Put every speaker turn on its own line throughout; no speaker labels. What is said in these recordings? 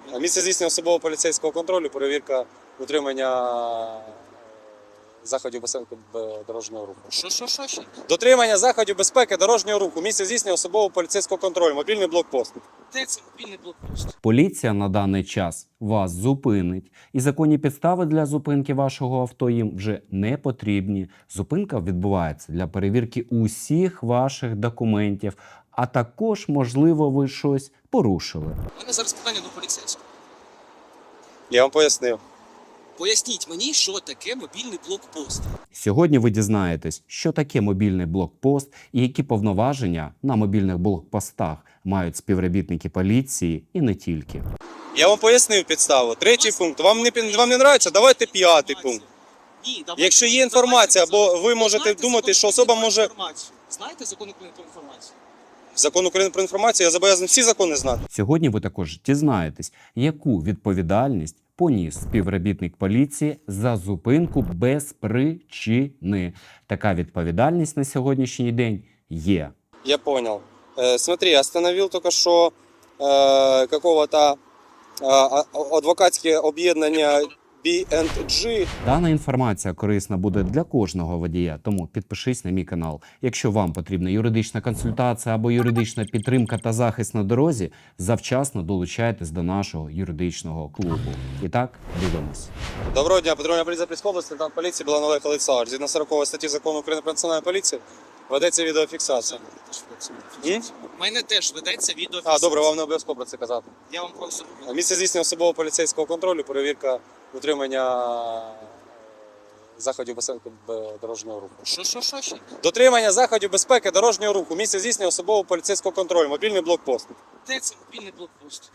Місце здійснення особового поліцейського контролю, перевірка утримання заходів безпеки дорожнього руху.
Що ще?
Дотримання заходів безпеки дорожнього руху. Місце здійснення особового поліцейського контролю. Мобільний блокпост.
Де це мобільний блокпост?
Поліція на даний час вас зупинить, і законні підстави для зупинки вашого авто їм вже не потрібні. Зупинка відбувається для перевірки усіх ваших документів, а також, можливо, ви щось порушили.
У мене зараз питання до поліцейського.
Я вам пояснив.
Поясніть мені, що таке мобільний блокпост.
Сьогодні ви дізнаєтесь, що таке мобільний блокпост і які повноваження на мобільних блокпостах мають співробітники поліції і не тільки.
Я вам пояснив підставу. Третій пункт. Вам не подобається? Давайте п'ятий пункт.
Ні, давайте.
Якщо є інформація, або ви можете думати, що особа може...
Знаєте закон України про інформацію?
Закон України про інформацію, я зобов'язаний всі закони знати.
Сьогодні ви також дізнаєтесь, яку відповідальність поніс співробітник поліції за зупинку без причини. Така відповідальність на сьогоднішній день є.
Я понял. Смотри, остановил только что какого-то адвокатське об'єднання B&G.
Дана інформація корисна буде для кожного водія, тому підпишись на мій канал. Якщо вам потрібна юридична консультація або юридична підтримка та захист на дорозі, завчасно долучайтесь до нашого юридичного клубу. І так, дивимось.
Доброго дня, патрульна поліція Запорізької області, лейтенант поліції Білан Олег Олександрович. Згідно 40 статті Закону України про національну поліцію ведеться відеофіксація.
У мене теж ведеться відеофіксація.
А, добре, вам не обов'язково про це казати.
Я вам просто...
Місце здійснення особового поліцейського контролю, перевірка утримання заходів безпеки дорожнього руху.
Що ще?
Дотримання заходів безпеки дорожнього руху. Місце здійснення особового поліцейського контролю. Мобільний блокпост.
Де це мобільний блокпост?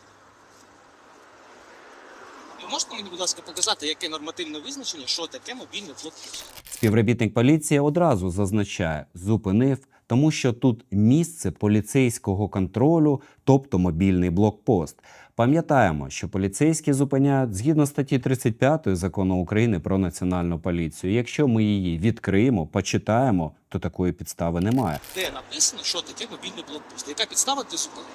Ви можете мені, будь ласка, показати, яке нормативне визначення, що таке мобільний блокпост?
Співробітник поліції одразу зазначає, зупинив, тому що тут місце поліцейського контролю, тобто мобільний блокпост. Пам'ятаємо, що поліцейські зупиняють згідно статті 35 Закону України про національну поліцію. Якщо ми її відкриємо, почитаємо, то такої підстави немає.
Де написано, що таке мобільний блокпост? Яка підстава для зупинки?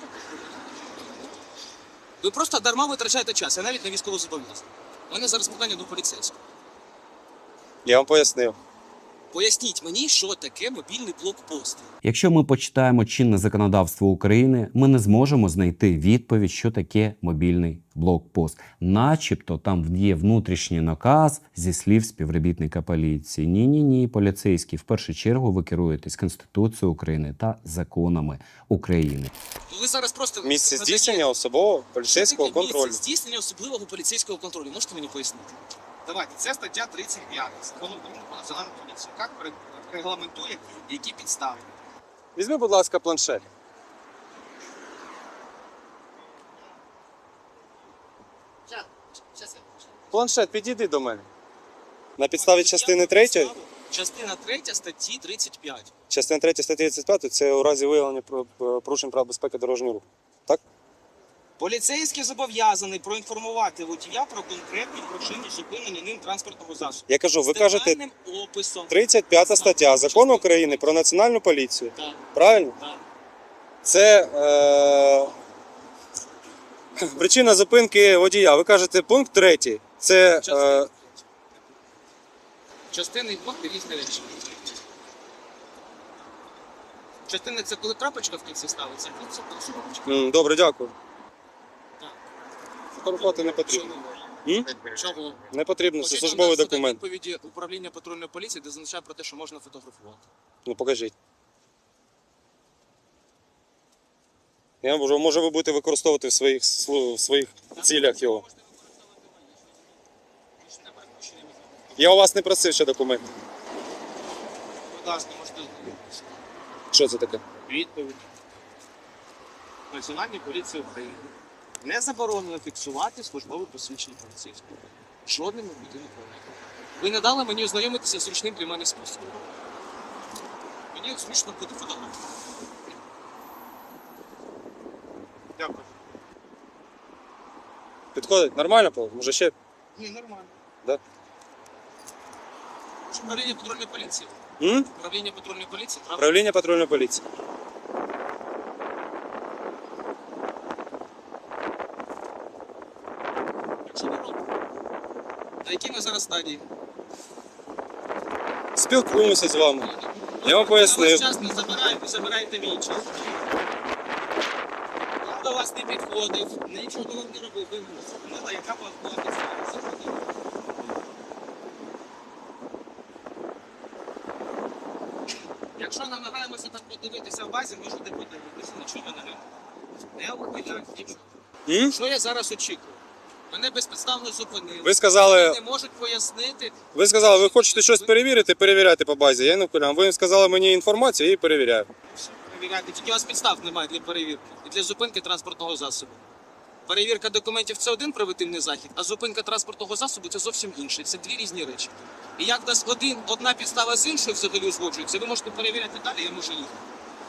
Ви просто дарма витрачаєте час, я навіть не військовозобов'язаний. У мене зараз питання до поліцейського.
Я вам пояснив.
Поясніть мені, що таке мобільний блокпост.
Якщо ми почитаємо чинне законодавство України, ми не зможемо знайти відповідь, що таке мобільний блокпост. Начебто там є внутрішній наказ зі слів співробітника поліції. Ні, поліцейські, в першу чергу ви керуєтесь Конституцією України та законами України.
Ви зараз просто...
Місце здійснення особового поліцейського контролю.
Місце здійснення особливого поліцейського контролю. Можете мені пояснити? Давайте, це стаття 35 Закону України про національну поліцію. Як регламентує, які підстави?
Візьми, будь ласка, планшет. Планшет, підійди до мене. На підставі частини 3.
Частина 3 статті 35.
Частина 3 статті 35 це у разі виявлення порушень прав безпеки дорожнього руху. Так?
Поліцейський зобов'язаний проінформувати водія про конкретні причини зупинення ним транспортного засобу.
Я кажу, ви
З
кажете,
детальним описом.
35 стаття Закону України про національну поліцію.
Так,
Правильно?
так.
Це причина зупинки водія. Ви кажете, пункт 3. Це
Частини і пункти різні речі. Частини – це коли крапочка в кінці ставиться, а це коли шурупочка.
добре, дякую.
Так.
Фотографувати не потрібно.
Чого?
Не потрібно, це
Хочете
службовий
надати
документ.
відповіді управління патрульної поліції, де зазначає про те, що можна фотографувати.
Ну покажіть. Може ви будете використовувати в своїх цілях його. Я у вас не просив ще документи.
Будь ласка, можете звернутися.
Що це таке?
Відповідь. Національній поліції України. Не заборонено фіксувати службове посвідчення поліцейського. Жодним нормативним правилам. Ви не дали мені ознайомитися з зручним для мене способом. Мені зручно буде фотографувати. Дякую.
Підходить? Нормально, Павло? Може ще?
Ні, нормально.
Да?
Управління патрульної поліції. Управління патрульної поліції, правда?
Управління патрульної поліції.
Що ви робите? На якій ми зараз стадії?
Спілкуємося з вами. Я вам
Я
пояснив.
ваш час не забираю, ви забираєте мій час. Я до вас не підходив, нічого вам не робив. Ви зупинила, яка у вас була підстава. Якщо намагаємося так подивитися в базі, можете подивитися, нічого не робимо. Не ухиляйте нічого.
М?
Що я зараз очікую? Мене безпідставно зупинили.
Ви сказали,
Вони не можуть пояснити.
ви хочете щось перевірити, перевіряйте по базі. Я не вкурям. Ви сказали мені інформацію, я її перевіряю.
Перевіряти. Тільки у вас підстав немає для перевірки і для зупинки транспортного засобу. Перевірка документів це один превентивний захід, а зупинка транспортного засобу це зовсім інше. Це дві різні речі. І як в нас одна підстава з іншою взагалі узгоджується, ви можете перевіряти далі, я можу їхати.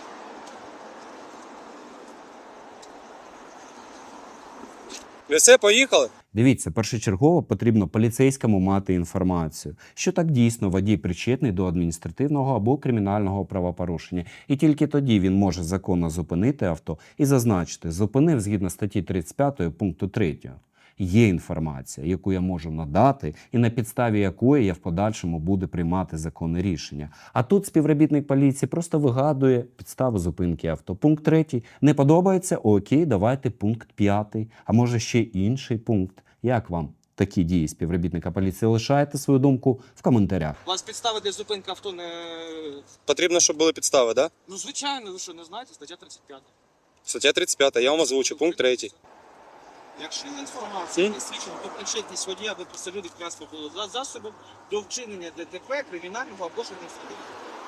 Ви все, поїхали?
Дивіться, першочергово потрібно поліцейському мати інформацію, що так дійсно водій причетний до адміністративного або кримінального правопорушення, і тільки тоді він може законно зупинити авто і зазначити «зупинив згідно статті 35 пункту 3». Є інформація, яку я можу надати, і на підставі якої я в подальшому буду приймати законне рішення. А тут співробітник поліції просто вигадує підставу зупинки авто. Пункт 3 не подобається? Окей, давайте пункт 5. А може ще інший пункт. Як вам такі дії співробітника поліції? Лишайте свою думку в коментарях.
У вас підстави для зупинки авто не...
Потрібно, щоб були підстави, так? Да?
Ну, звичайно, ви що, не знаєте? Стаття 35.
Стаття 35, я вам озвучу, пункт 3.
Якщо є інформація, не свідчить про причетність водія або посередник транспортного засобу до вчинення ДТП, кримінального або ж адміністративного.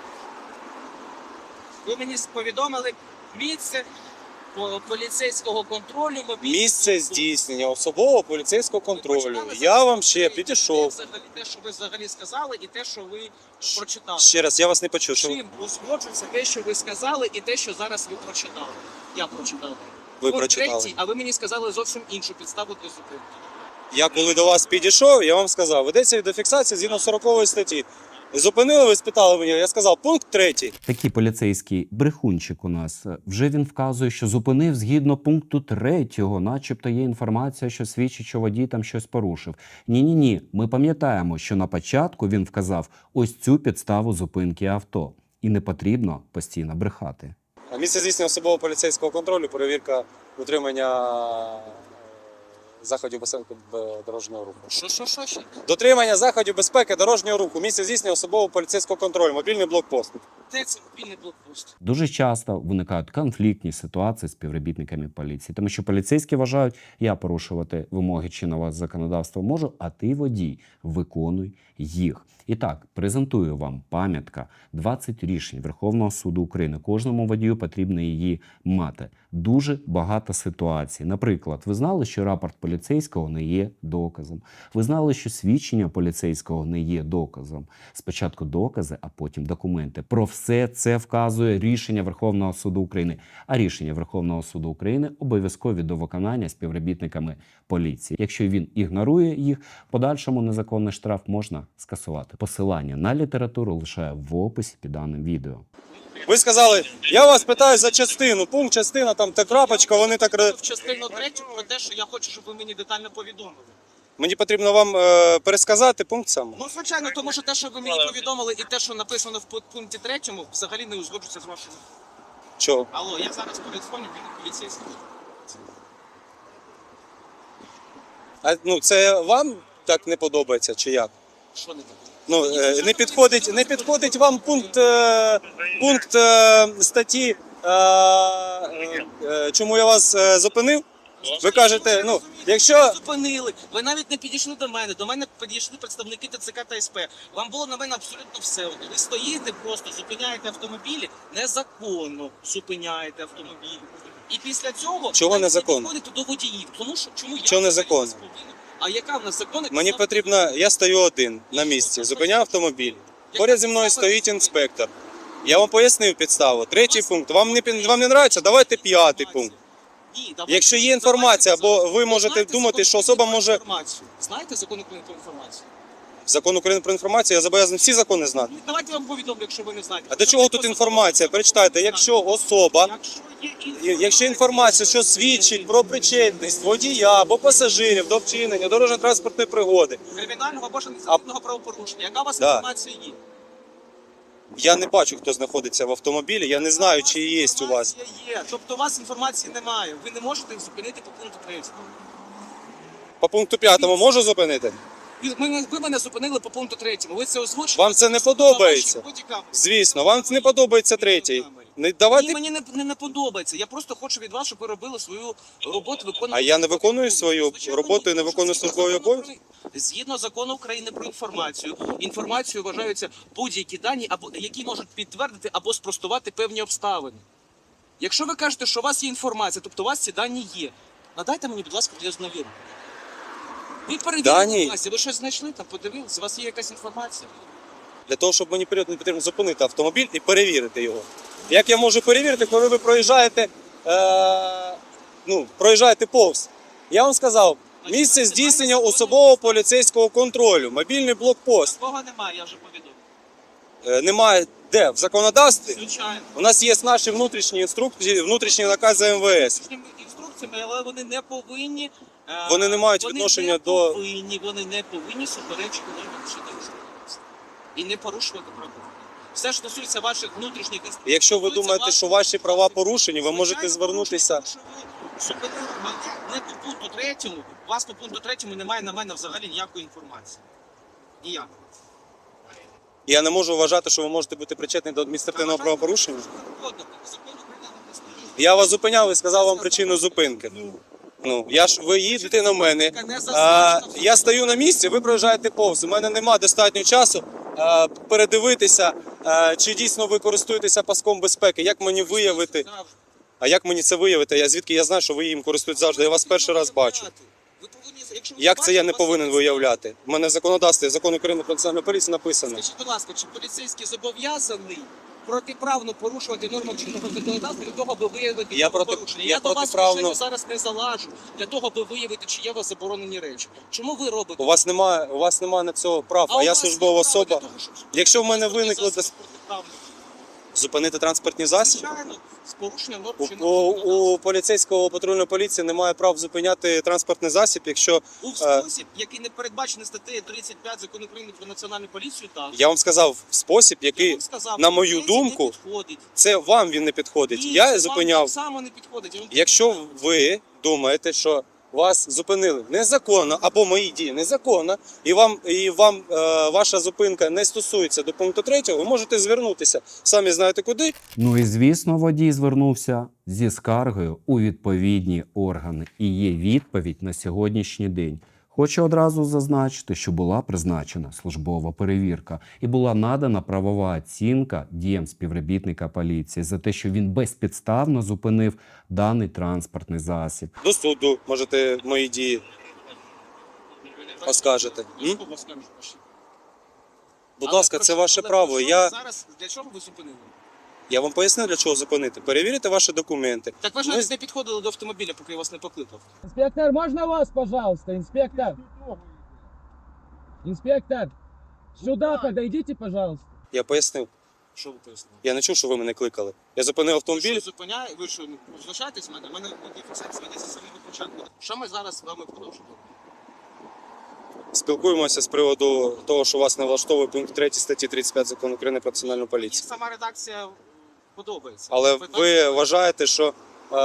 Ви мені повідомили місце поліцейського контролю,
Місце здійснення особового поліцейського контролю. Я вам ще підійшов.
Те, що ви взагалі сказали, і те, що ви прочитали.
Ще раз, я вас не почув. Що
Чим узгоджується те, що ви сказали, і те, що зараз ви прочитали. Я прочитав.
ви
Пункт
прочитали?
3, а ви мені сказали зовсім іншу підставу для зупинки.
Я коли до вас підійшов, я вам сказав, ведеться відеофіксація згідно 40 статті. Зупинили, ви спитали мене, я сказав, пункт 3.
Такий поліцейський брехунчик у нас. Вже він вказує, що зупинив згідно пункту 3, начебто є інформація, що свідчить, що водій там щось порушив. Ні. Ми пам'ятаємо, що на початку він вказав ось цю підставу зупинки авто. І не потрібно постійно брехати.
Місце здійснення особового поліцейського контролю, перевірка дотримання заходів безпеки дорожнього руху.
Що ще?
Дотримання заходів безпеки дорожнього руху. Місце здійснення особового поліцейського контролю, мобільний блокпост.
Де це мобільний блокпост?
Дуже часто виникають конфліктні ситуації з співробітниками поліції, тому що поліцейські вважають, я порушувати вимоги чинного законодавства можу, а ти, водій, виконуй їх. І так, презентую вам пам'ятка 20 рішень Верховного суду України. Кожному водію потрібно її мати. Дуже багато ситуацій. Наприклад, ви знали, що рапорт поліцейського не є доказом. Ви знали, що свідчення поліцейського не є доказом. Спочатку докази, а потім документи. Про все це вказує рішення Верховного суду України. А рішення Верховного суду України обов'язкові до виконання співробітниками поліції. Якщо він ігнорує їх, в подальшому незаконний штраф можна скасувати. Посилання на літературу лишаю в описі під даним відео.
Ви сказали, я вас питаю за частину, пункт, частина, там та крапочка, вони так...
В частину 3 про те, що я хочу, щоб ви мені детально повідомили.
Мені потрібно вам пересказати пункт сам.
Ну, звичайно, тому що те, що ви мені повідомили, і те, що написано в пункті 3, взагалі не узгоджується з вашим.
Чого?
Алло, я зараз передзвоню, він поліцейський.
А, ну, це вам так не подобається, чи як?
Що не так?
Ну, не підходить вам пункт статті, чому я вас зупинив? Ви кажете, ну, якщо...
Зупинили. Ви навіть не підійшли до мене. До мене підійшли представники ТЦК та СП. Вам було на мене абсолютно все одно. Ви стоїте просто, зупиняєте автомобілі, незаконно зупиняєте автомобілі. І після цього...
Чого незаконно?
підходите до водіїв. Тому що, чому я...
Чого незаконно?
А яка в нас законна?
Мені потрібно, я стою один на місці, зупиняю автомобіль. Поряд зі мною стоїть інспектор. Я вам пояснив підставу. 3-й пункт. Вам не нравиться? Давайте 5-й пункт.
Ні, давайте,
Якщо є інформація, або ви можете
знаєте
думати,
закон
що особа
про
може...
інформацію? Знаєте закон про інформацію?
Закон України про інформацію, я зобов'язаний всі закони знати.
Давайте я вам повідомлю, якщо ви не знаєте.
А до чого тут інформація? Перечитайте, якщо особа, якщо інформація, що свідчить про причетність водія або пасажирів до вчинення дорожньо-транспортної пригоди,
Кримінального або ж адміністративного правопорушення. Яка у вас
Да.
інформація є?
я не бачу, хто знаходиться в автомобілі, я не знаю, чи є у вас.
Інформація є. Тобто у вас інформації немає. Ви не можете їх зупинити по пункту 3.
По пункту 5 можу зупинити?
Ви мене зупинили по пункту 3. Ви це озвучили?
Вам це не подобається? Звісно, вам не подобається третій. Не
Ні,
давайте.
мені не подобається. Я просто хочу від вас, щоб ви робили свою роботу, виконували.
А я не виконую свою роботу і не виконую службові обов'язки?
Згідно закону України про інформацію, інформацією вважаються будь-які дані, або які можуть підтвердити або спростувати певні обставини. Якщо ви кажете, що у вас є інформація, тобто у вас ці дані є, надайте мені, будь ласка, для ознайомлення. Ви перевірили власті, ви щось знайшли там, подивилися, у вас є якась інформація.
Для того, щоб мені період не потрібно зупинити автомобіль і перевірити його. Як я можу перевірити, коли ви проїжджаєте, проїжджаєте повз? Я вам сказав, місце здійснення особового поліцейського контролю, мобільний блокпост.
Такого немає, я вже повідомив.
Немає де? В законодавстві?
Звичайно.
У нас є наші внутрішні інструкції, внутрішні накази МВС.
Інструкціями, але вони не повинні.
Вони не мають відношення до...
Вони не повинні суперечити нормам чинного законодавства. І не порушувати права. Все, що стосується ваших внутрішніх інструкцій.
Якщо ви думаєте, що ваші права порушені, ви можете звернутися...
Зупинили мене не по пункту 3, у вас по пункту 3 немає на мене взагалі ніякої інформації. Ніякої.
Я не можу вважати, що ви можете бути причетні до адміністративного правопорушення. Я вас зупиняв і сказав вам причину зупинки. Ви їдете на мене, я стою на місці, ви проїжджаєте повз. У мене немає достатньо часу передивитися, чи дійсно ви користуєтеся паском безпеки. Як мені виявити? А як мені це виявити? Звідки я знаю, що ви їм користуєтесь завжди? Я вас перший раз бачу. Як це я не повинен виявляти? У мене в законодавстві, закон України про національну поліцію написано.
Скажіть, будь ласка, чи поліцейський зобов'язаний протиправно порушувати норми чинного законодавства для того, аби виявити порушення? Я до вас вже зараз не залажу для того, аби виявити, чи є у вас заборонені речі. Чому ви робите?
У вас немає на цього прав, а я службова особа. Якщо в мене виникло зупинити транспортні засоби,
Звичайно, з порушенням норм чинного законодавства.
у поліцейського патрульної поліції немає прав зупиняти транспортний засіб, якщо...
У спосіб, який не передбачений статтею 35 Закону України про національну поліцію, так.
Я вам сказав, спосіб,
Я
який,
вам сказав,
на мою
поліції
думку,
не підходить.
це вам він не підходить.
Ні,
Я
це
зупиняв.
вам так само не підходить. Я вам
Якщо ви думаєте, що вас зупинили незаконно, або мої дії незаконно, і вам ваша зупинка не стосується до пункту 3, ви можете звернутися. Самі знаєте куди.
Ну і звісно, водій звернувся зі скаргою у відповідні органи. І є відповідь на сьогоднішній день. Хочу одразу зазначити, що була призначена службова перевірка і була надана правова оцінка діям співробітника поліції за те, що він безпідставно зупинив даний транспортний засіб.
До суду можете мої дії оскаржити. Будь ласка, це ваше право.
Зараз для чого ви зупинили?
Я вам пояснив, для чого зупинити. Перевірити ваші документи.
Так ви ж навіть не підходили до автомобіля, поки я вас не покликав.
Инспектор, можно вас, пожалуйста, инспектор? Инспектор, сюда подойдите, пожалуйста.
Я пояснив.
Що ви пояснили?
Я не чув, що ви мене кликали. Я зупинив автомобіль.
Ви що, зупиняє? Ви що, залишаєтесь в мене? У мене фіксація ведеться з самого початку. Що ми зараз з вами продовжуємо?
Спілкуємося з приводу того, що вас не влаштовує пункт 3 статті 35 Закону України про національну
Мені
поліцію.
сама редакція подобається.
Але ви вважаєте, що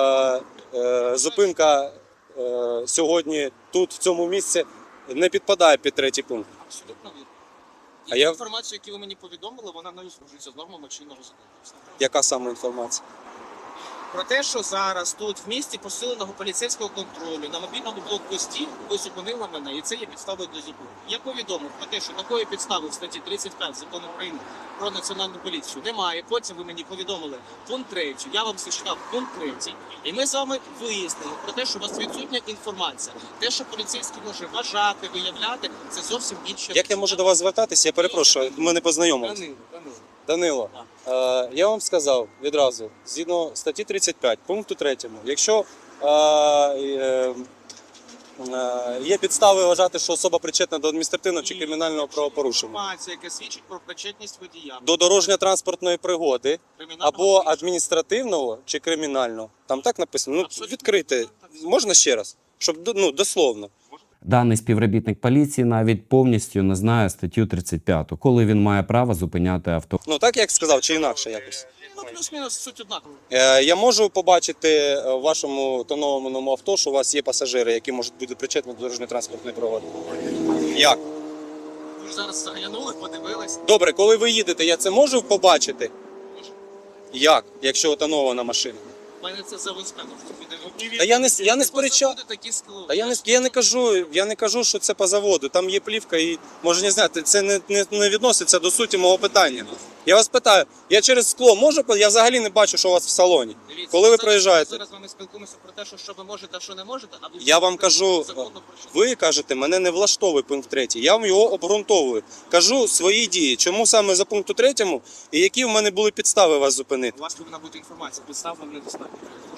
зупинка сьогодні тут, в цьому місці, не підпадає під 3 пункт?
Абсолютно вірно. І
А я-
інформацію, яку ви мені повідомили, вона не узгоджується з нормами чинного законодавства.
Яка саме інформація?
Про те, що зараз тут в місті посиленого поліцейського контролю на мобільному блокпості ви зупинили мене, і це є підставою для зупинки. Я повідомив про те, що такої підстави в статті 35 Закону України про національну поліцію немає. Потім ви мені повідомили пункт 3, я вам зачитав пункт 3, і ми з вами вияснили про те, що у вас відсутня інформація. Те, що поліцейський може вважати, виявляти, це зовсім інше.
Як я можу до вас звертатися? Я перепрошую, ми не познайомилися. Данило, я вам сказав відразу, згідно статті 35, пункту 3, якщо є підстави вважати, що особа причетна до адміністративного чи кримінального правопорушення.
Інформація, яка свідчить про причетність водія.
До дорожньо-транспортної пригоди
Кримінального
або
правопорушення.
адміністративного чи кримінального. Там так написано. Ну,
Абсолютно.
відкрити. Можна ще раз? Щоб, ну, дословно.
Даний співробітник поліції навіть повністю не знає статтю 35, коли він має право зупиняти авто.
Ну, так як сказав, чи інакше якось.
Ну, плюс-мінус суть однакова.
Я можу побачити в вашому тонованому авто, що у вас є пасажири, які можуть бути причетні до дорожньо-транспортної пригоди. Як?
Ви ж зараз заглянули, подивились.
Добре, коли ви їдете, я це можу побачити? Як? Якщо тонована машина?
У мене це завинспено.
Та я не сперечаю. Та я не кажу, що це по заводу. Там є плівка і може не знати. Це не відноситься до суті мого питання. Я вас питаю, я через скло можу? Я взагалі не бачу, що у вас в салоні.
Дивіться,
Коли ви
зараз-
проїжджаєте?
Зараз з вами спілкуємося про те, що ви можете, а що не можете. А ви
Я вам кажу,
законно про що?
ви кажете, мене не влаштовує пункт 3. Я вам його обґрунтовую. Кажу свої дії. Чому саме за пункту 3 і які в мене були підстави вас зупинити?
У вас повинна бути інформація. Підстав вам недостатньо.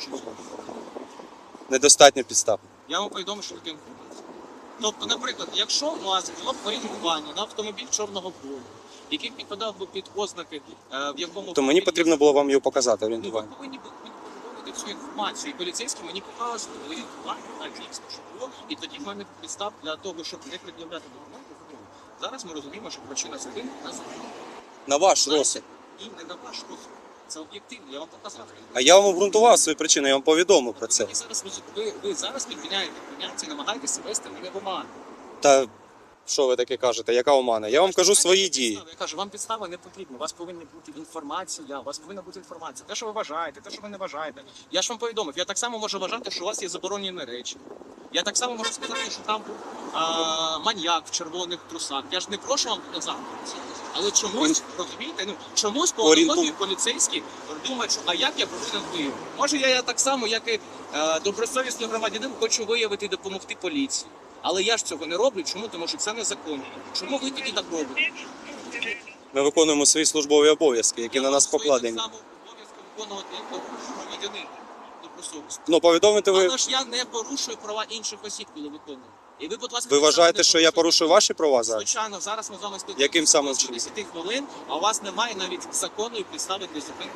Недостатньо підстав.
Я вам повідомив, що таке інформація. Тобто, наприклад, якщо у вас було б орієнтування на автомобіль чорного кольору, який підпадав би під ознаки, в якому
То мені потрібно було вам його показати, орієнтування.
ви повинні були повідомити цю інформацію. І поліцейські мені показували орієнтування на дійсно, що було, і тоді в мене підстав для того, щоб не пред'являти документи. Зараз ми розуміємо, що причина зупинки на законі.
На ваш розсуд.
І не на ваш розсуд. Це об'єктивно, я вам показав.
А я вам обґрунтував свої причини, я вам повідомив про це.
І зараз ви зараз підміняєте поняття, намагаєтеся вести мене в оману.
Та що ви таке кажете? Яка омана? Я вам кажу свої дії.
Я кажу, вам підстава не потрібна. У вас повинна бути інформація. У вас повинна бути інформація. Те, що ви вважаєте, те, що ви не вважаєте. Я ж вам повідомив. Я так само можу вважати, що у вас є заборонені речі. Я так само можу сказати, що там був маньяк в червоних трусах. Я ж не прошу вам показати. Але чомусь, розумієте, чомусь по аналогії поліцейські думають, що а як я повинен виявити? Може, я так само, як і добросовісний громадянин, хочу виявити і допомогти поліції. Але я ж цього не роблю. Чому? Тому що це незаконно. Чому ви тоді так робите?
Ми виконуємо свої службові обов'язки, які на нас покладені.
Так само обов'язки виконувати як громадянин добросовісно.
Ну, повідомити ви.
Але ж я не порушую права інших осіб, коли виконую. І ви, будь ласка,
Ви
так само
вважаєте,
не
що я
порушуйте.
порушую ваші права зараз?
Звичайно, зараз ми з вами спілкуємося.
Яким саме
більше
чином?
10 хвилин, а у вас немає навіть законної підстави для зупинки.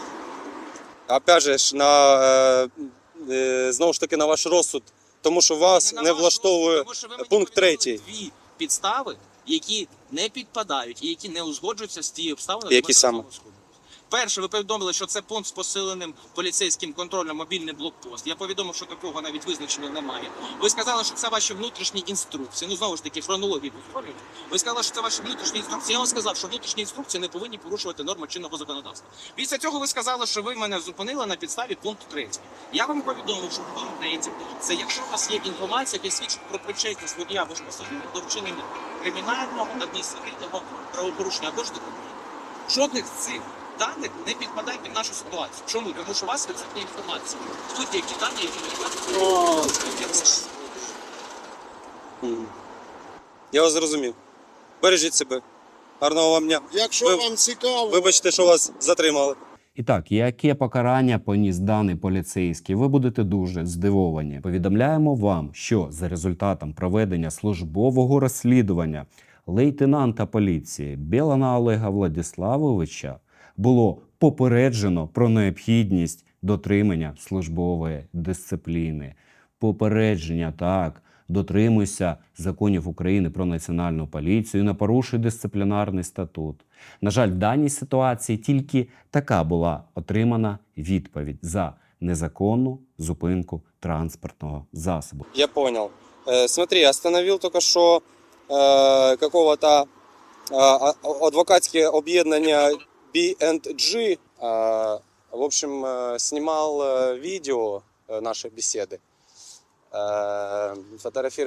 Опять же ж, знову ж таки на ваш розсуд, тому що вас
на
не
ваш
влаштовує
розсуд, тому що ви мені
пункт
повідомили
3.
Дві підстави, які не підпадають і які не узгоджуються з тією обставиною,
Які саме?
Перше, ви повідомили, що це пункт з посиленим поліцейським контролем, мобільний блокпост. Я повідомив, що такого навіть визначення немає. Ви сказали, що це ваші внутрішні інструкції. Ну, знову ж таки, хронології повторюйте. Ви сказали, що це ваші внутрішні інструкції. Я вам сказав, що внутрішні інструкції не повинні порушувати норми чинного законодавства. Після цього ви сказали, що ви мене зупинили на підставі пункту 3. Я вам повідомив, що пункт 3 – це якщо у вас є інформація, яка свідчить про причетність водія або ж пасажира до вчинення кримінального, адміністративного правопорушення або ж документів. Жодних з цих даних не підпадає під нашу ситуацію. Чому? Тому що у вас відсутня інформація. Тут є ті дані, які не підпадають.
Я вас зрозумів. Бережіть себе. Гарного вам дня.
Якщо
Ви-
вам цікаво,
Вибачте, що вас затримали.
І так, яке покарання поніс даний поліцейський, ви будете дуже здивовані. Повідомляємо вам, що за результатом проведення службового розслідування лейтенанта поліції Білана Олега Владиславовича було попереджено про необхідність дотримання службової дисципліни. Попередження, так, дотримуйся законів України про національну поліцію і не порушуй дисциплінарний статут. На жаль, в даній ситуації тільки така була отримана відповідь за незаконну зупинку транспортного засобу.
Я понял. Смотри, остановил только что какого-то адвокатське об'єднання B&G. В общем, снимал видео нашей беседы.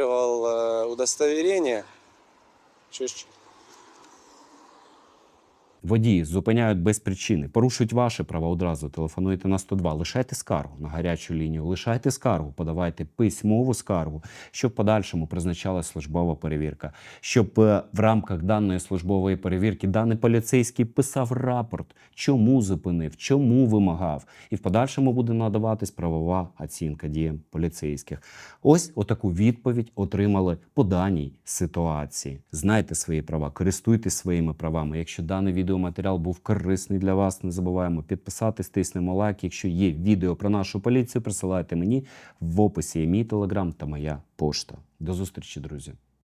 Фотографировал удостоверение. Чуть.
Водії зупиняють без причини, порушують ваші права одразу. Телефонуйте на 102, лишайте скаргу на гарячу лінію, лишайте скаргу, подавайте письмову скаргу, щоб в подальшому призначалась службова перевірка. Щоб в рамках даної службової перевірки даний поліцейський писав рапорт, чому зупинив, чому вимагав. І в подальшому буде надаватись правова оцінка діям поліцейських. Ось отаку відповідь отримали по даній ситуації. Знайте свої права, користуйтесь своїми правами. Якщо даний відеоматеріал був корисний для вас, не забуваємо підписатись, тиснемо лайк. Якщо є відео про нашу поліцію, присилайте мені. В описі є мій телеграм та моя пошта. До зустрічі, друзі!